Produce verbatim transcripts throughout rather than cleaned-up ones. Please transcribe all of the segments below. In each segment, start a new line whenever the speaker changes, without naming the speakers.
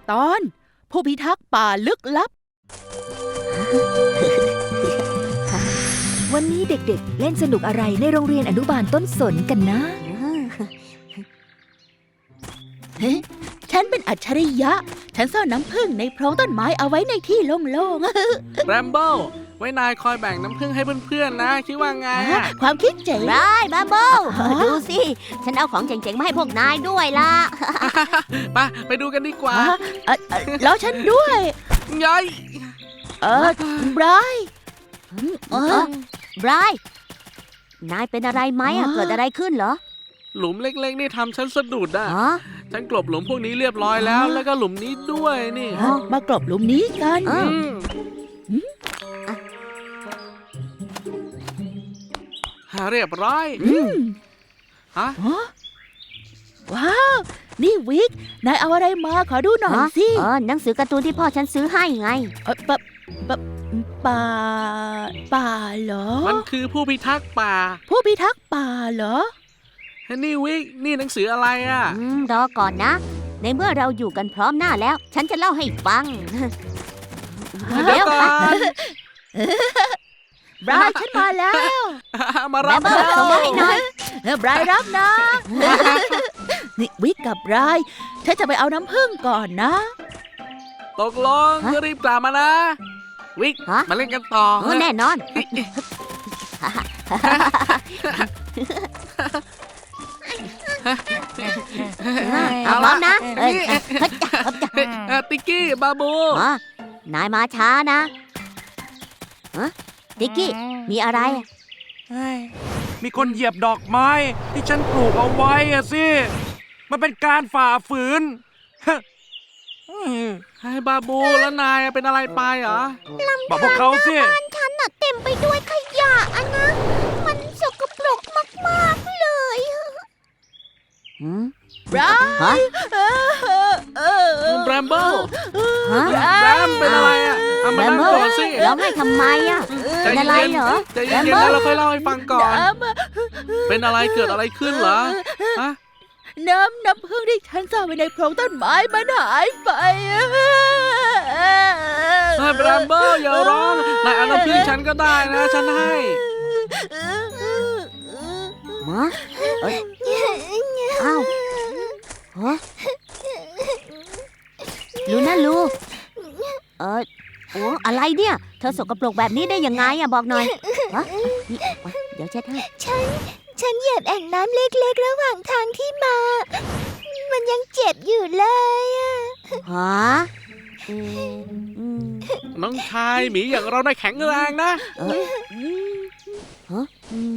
ตอนผู้พิทักษ์ป่าลึกลับ
วันนี้เด็กๆเล่นสนุกอะไรในโรงเรียนอนุบาลต้นสนกันนะ
เฮ้ฉันเป็นอัจฉริยะฉันซ่อนน้ำผึ้งในโพรงต้นไม้เอาไว้ในที่โล่ง
ๆแรมโบ้ไว้นายคอยแบ่งน้ำผึ้งให้เพื่อนๆนะคิดว่าไง
ความคิดเจ๋ง
ได้แรมโบ้ดูสิฉันเอาของเจ๋งๆมาให้พวกนายด้วยล่ะ
ไปไปดูกันดีกว่า
แล้วฉันด้วย
ยัย
เออไบรท์
เออไบรท์นายเป็นอะไรไหมอ่ะเกิดอะไรขึ้นเหรอ
หลุมเล็กๆนี่ทำฉันสะดุดอ่ะฉันกลบหลุมพวกนี้เรียบร้อยแล้วแล้วก็หลุมนี้ด้วยนี่
มากลบหลุมนี้กัน
เรียบร้อยฮะ
ว้าวนี่วิกนายเอาอะไรมาขอดูหน่อยสิ
เออหนังสือการ์ตูนที่พ่อฉันซื้อให้ไง
เออปะปะป่าป่าเหรอ
มันคือผู้พิทักษ์ป่า
ผู้พิทักษ์ป่าเหรอ
นี่วิกนี่หนังสืออะไรอ่ะ
รอก่อนนะในเมื่อเราอยู่กันพร้อมหน้าแล้วฉันจะเล่าให้ฟัง
เดี๋ยวก่อน
บรายฉันมาแล้ว
มารับ
แล้วส่งมาให้หน่อย
บรายรับนะนี่วิกกับบรายฉันจะไปเอาน้ำผึ้งก่อนนะ
ตกลงจะรีบกลับมานะวิกมาเล่นกันต่อ
แน่นอนเอาพร้อมนะ
ติ๊กกี้บาบู
นายมาช้านะติ๊กกี้มีอะไร
มีคนเหยียบดอกไม้ที่ฉันปลูกเอาไว้อะสิมันเป็นการฝ่าฝืน
ให้บาบูแล้วนายเป็นอะไรไปเหรอ
บอกพวกเขาสิ
บ้านฉันน่ะเต็มไปด้วยขยะอะนะมันสกปรกมากๆเลย
บราย
แรมโบ้แรมเป็นอะไรอ่ะทำไมนั่งก่อนสิ
ร้องให้ทำไมอ่ะเป็นอะไรเหรอ
ใจเย็นๆแล้วเราค่อยเล่าให้ฟังก่อนเป็นอะไรเกิดอะไรขึ้นเหรอฮะ
น้ำน้ำผึ้งที่ฉันซ่อนไว้ในโพรงต้นไม้มันหายไป
ให้แรมโบ้อย่าร้องนายเอาน้ำผึ้งฉันก็ได้นะฉันให้
มาอ้าวฮะลูนะลูเออโอ้อะไรเนี่ยเธอสกปรกแบบนี้ได้ยังไงอะบอกหน่อยฮะนี่เดี๋ยวเช็ดให้
ฉันฉันเหยียบแอ่งน้ำเล็กๆระหว่างทางที่มามันยังเจ็บอยู่เลยอะ
ฮะ
น้องชายหมีอย่างเราได้แข็งแรงนะ
ฮะ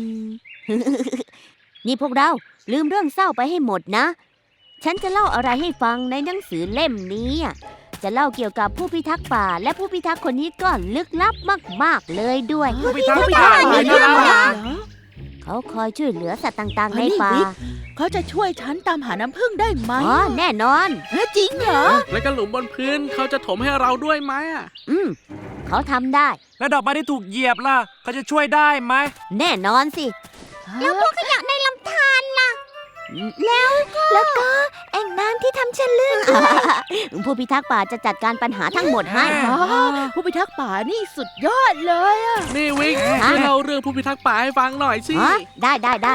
นี่พวกเราลืมเรื่องเศร้าไปให้หมดนะฉันจะเล่าอะไรให้ฟังในหนังสือเล่มนี้จะเล่าเกี่ยวกับผู้พิทักษ์ป่าและผู้พิทักษ์คนนี้ก็ลึกลับมากๆเลยด้วย
ผู้พิทักษ์ป่าเหรอ
เขาคอยช่วยเหลือสัตว์ต่างๆในป่า
เขาจะช่วยฉันตามหาน้ำผึ้งได้ไหม
อ๋อแน่นอน
จริงเหรอ
แล้วก็หลุมบนพื้นเขาจะถมให้เราด้วยไหมอ่ะ
อืมเขาทำได้
แล้วดอกไม้ที่ถูกเหยียบล่ะเขาจะช่วยได้ไหม
แน่นอนสิแล้วพวกขยะในลำธารล่ะ
แล้วแล้วก็แอ่งน้ำที่ทำฉันลื่น
ผู้พิทักษ์ป่าจะจัดการปัญหาทั้งหมดให้
ผู้พิทักษ์ป่านี่สุดยอดเลยอ่ะ
นี่วิกช่วยเล่าเรื่องผู้พิทักษ์ป่าให้ฟังหน่อยสิ
ได้ได้ได้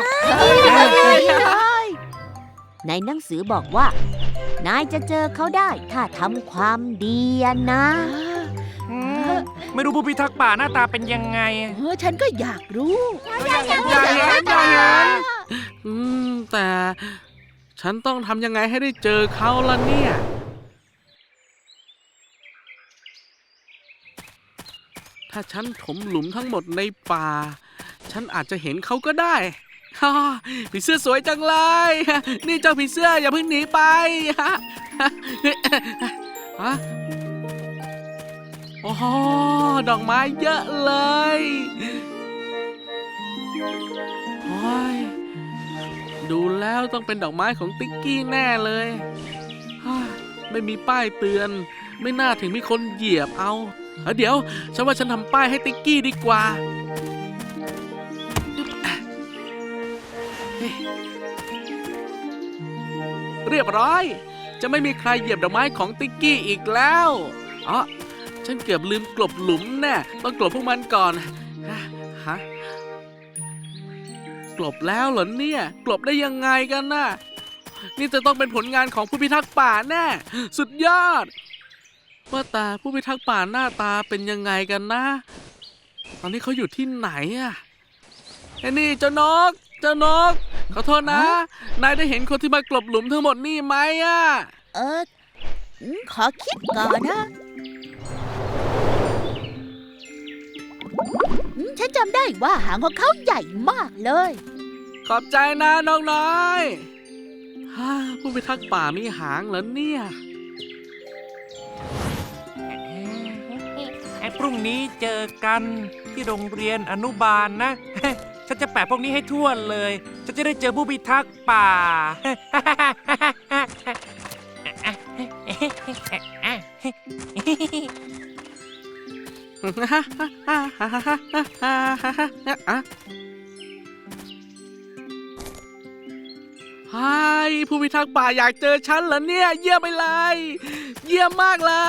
ในหนังสือบอกว่านายจะเจอเขาได้ถ้าทำความดีนะ
ไม่รู้ผู้พิทักษ์ป่าหน้าตาเป็นยังไง
เออฉันก็อยากรู้
อยากเห็นอยากเห็นอยากเห็นอืมแต่ฉันต้องทำยังไงให้ได้เจอเขาล่ะเนี่ยถ้าฉันถมหลุมทั้งหมดในป่าฉันอาจจะเห็นเขาก็ได้ผีเสื้อสวยจังเลยนี่เจ้าผีเสื้ออย่าเพิ่งหนีไปฮะโอ้โหดอกไม้เยอะเลยโอ้ยดูแล้วต้องเป็นดอกไม้ของติ๊กกี้แน่เลยไม่มีป้ายเตือนไม่น่าถึงมีคนเหยียบเอาเดี๋ยวฉันว่าฉันทำป้ายให้ติ๊กกี้ดีกว่าเรียบร้อยจะไม่มีใครเหยียบดอกไม้ของติ๊กกี้อีกแล้วอ๋อฉันเกือบลืมกลบหลุมแน่ต้องกลบพวกมันก่อนฮะกลบแล้วเหรอเนี่ยกลบได้ยังไงกันน่ะนี่จะต้องเป็นผลงานของผู้พิทักษ์ป่าแน่สุดยอดว่าแต่ผู้พิทักษ์ป่าหน้าตาเป็นยังไงกันนะตอนนี้เขาอยู่ที่ไหนอะไอ้นี่เจ้านกเจ้านกขอโทษนะนายได้เห็นคนที่มากลบหลุมทั้งหมดนี่ไหมอะ
เอออืมขอคิดก่อนนะอืมฉันจำได้ว่าหางของเขาใหญ่มากเลย
ขอบใจนะน้องน้อยฮ่าผู้พิทักษ์ป่ามีหางเหรอเนี่ย
ไอ้พรุ่งนี้เจอกันที่โรงเรียนอนุบาลนะ ฉันจะแปะพวกนี้ให้ทั่วเลย ฉันจะได้เจอผู้พิทักษ์ป่า
ไฮ้ผู้พิทักษ์ป่าอยากเจอฉันเหรอเนี่ยเยี่ยมไปเลยเยี่ยมมากเลย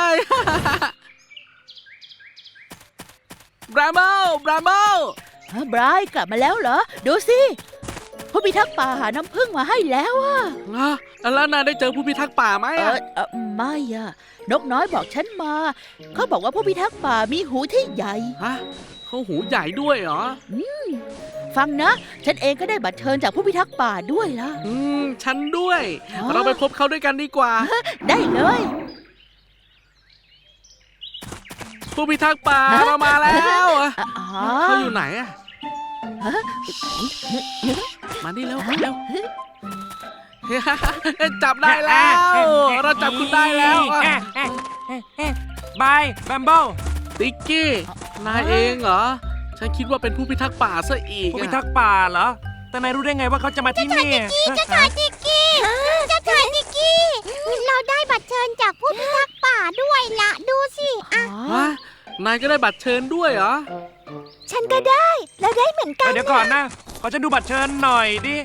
บราโมบราโม
ฮะไบรท์กลับมาแล้วเหรอ ดูสิผู้พิทักษ์ป่าหาน้ำผึ้งมาให้แล้วอะ
อ่ะแล้วนายได้เจอผู้พิทักษ์ป่าไหม
เอ
อ่ะ
อเออไม่อะนกน้อยบอกฉันมา เขาบอกว่าผู้พิทักษ์ป่ามีหูที่ใหญ่
ฮะเขาหูใหญ่ด้วยเหรอ
ฟังนะ ฉันเองก็ได้บัตรเชิญจากผู้พิทักษ์ป่าด้วยล่ะ
อืมฉันด้วย
อ๋อ
เราไปพบเขาด้วยกันดีกว่า
ได้เลย
ผู้พิทักษ์ป่าเรามาแล้วอ่ะ
อ๋อ
เขาอยู่ไหนอ่ะมานี่แล้วเร็ว จับได้แล้ว เราจับคุณได้แล้วอ่ะ
บายแบมเบิล
ติ๊กกี้นายเองเหรอ ฉันคิดว่าเป็นผู้พิทักษ์ป่าซะอีก
ผู้
อะ
พิทักษ์ป่าเหรอ แต่นายรู้ได้ไงว่าเขาจะมาที่นี่
เจ้าชายนิกกี้เจ้าชายนิกกี้เราได้บัตรเชิญจากผู้พิทักษ์ป่าด้วยละดูสิอ่ะ
ฮะนายก็ได้บัตรเชิญด้วยเหรอ
ฉันก็ได้เราได้เหมือนกัน
เดี๋ยวก่อนนะ ขอฉันดูบัตรเชิญหน่อยดิ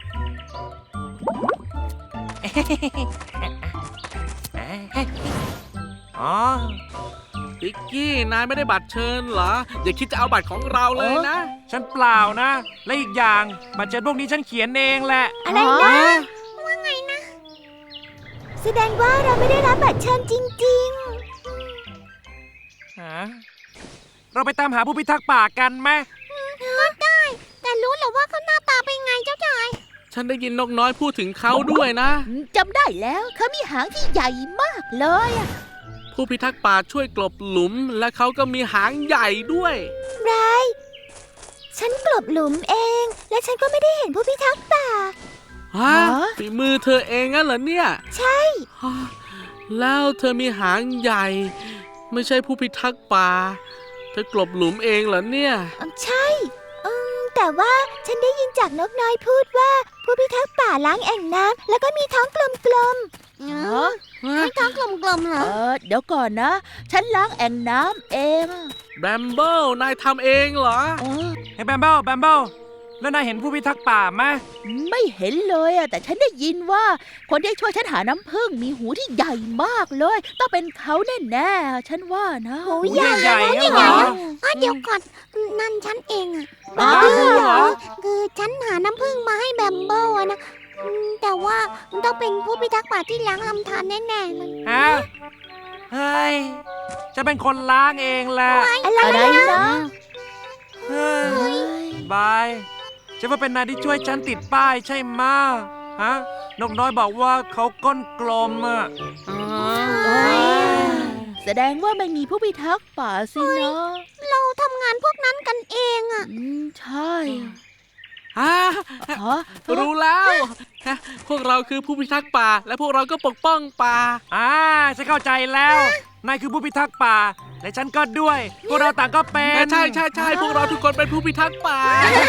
อ๋อ
ติ๊กกี้นายไม่ได้บัตรเชิญเหรอ อย่าคิดจะเอาบัตรของเราเลยนะ
ฉันเปล่านะ และอีกอย่างบัตรเชิญพวกนี้ฉันเขียนเองแหละ
อะไรนะ ว่าไงนะ แสดงว่าเราไม่ได้รับบัตรเชิญจริง
ฮะ เราไปตามหาผู้พิทักษ์ป่ากันไหม
ๆก็ได้ แต่รู้เหรอว่าเขาหน้าตาเป็นไงเจ้าชาย
ฉันได้ยินนกน้อยพูดถึงเขาด้วยนะ
จำได้แล้วเขามีหางที่ใหญ่มากเลยอะ
ผู้พิทักษ์ป่าช่วยกลบหลุม และเขาก็มีหางใหญ่ด้วย
ไรฉันกลบหลุมเอง และฉันก็ไม่ได้เห็นผู้พิทักษ์ป่า
ฮะฝีมือเธอเองงั้นเหรอเนี่ย
ใช่
ฮะแล้วเธอมีหางใหญ่ ไม่ใช่ผู้พิทักษ์ป่า เธอกลบหลุมเองเหรอเนี่ย
ใช่อืมแต่ว่าฉันได้ยินจากนกน้อยพูดว่า ผู้พิทักษ์ป่าล้างแอ่งน้ำแล้วก็มีท้องกลม
ฮะ
ๆท้องกลมๆเหร
เอ
อ
อเดี๋ยวก่อนนะ ฉันล้างแอ่งน้ำเองอะ
แบมเบิลนายทำเองเหรอ
เออ
เฮ้ยแบมเบิลแบมเบิลแล้วนายเห็นผู้พิทักษ์ป่าไหม
ไม่เห็นเลยอะแต่ฉันได้ยินว่า คนที่ช่วยฉันหาน้ำผึ้งมีหูที่ใหญ่มากเลย ต้องเป็นเขาแน่ๆฉันว่านะ
หู
หูใหญ่ๆ
หู
เหรอ
อ๋อเดี๋ยวก่อนนั่นฉันเองอะ
อ้าวเหรอ
คือฉันหาน้ำผึ้งมาให้แบมเบิลอะนะอืมแต่ว่าต้องเป็นผู้พิทักษ์ป่าที่ล้างลำธารแน่ๆเลย
ฮะ เฮ้ย จะเป็นคนล้างเองแหละ
อะไร
อะไร
นะ
นะ
เฮ้ย
เฮ้ย
บายฉันว่าเป็นนายที่ช่วยฉันติดป้ายใช่ไหมะฮะ นกน้อยบอกว่าเขาก้นกลมอ่ะ
เอ้ยแสดงว่าไม่มีผู้พิทักษ์ป่าสินะ
เราทำงานพวกนั้นกันเองอะ
อืมใช่อะ
ฮะ
ฮะ
รู้แล้วฮะพวกเราคือผู้พิทักษ์ป่า และพวกเราก็ปกป้องป่า
อ่าฉันเข้าใจแล้ว นายคือผู้พิทักษ์ป่า และฉันก็ด้วย พวกเราต่างก็เป็น
ใช่ใช่ใช่พวกเราทุกคนเป็นผู้พิทักษ์ป่า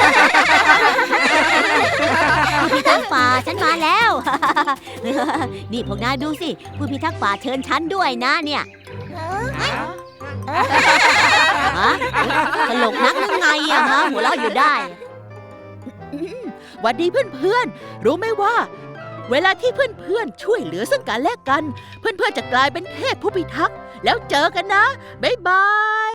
ผู้พิทักษ์ป่าฉันมาแล้ว นี่พวกนายดูสิผู้พิทักษ์ป่าเชิญฉันด้วยนะเนี่ยฮะตลกนักหรือไงอะฮะหัวเราะอยู่ได้
หวัดดีเพื่อนๆ รู้ไหมว่าเวลาที่เพื่อนๆช่วยเหลือซึ่งกันและกัน เพื่อนๆจะกลายเป็นเทพผู้พิทักษ์แล้วเจอกันนะ บ๊ายบาย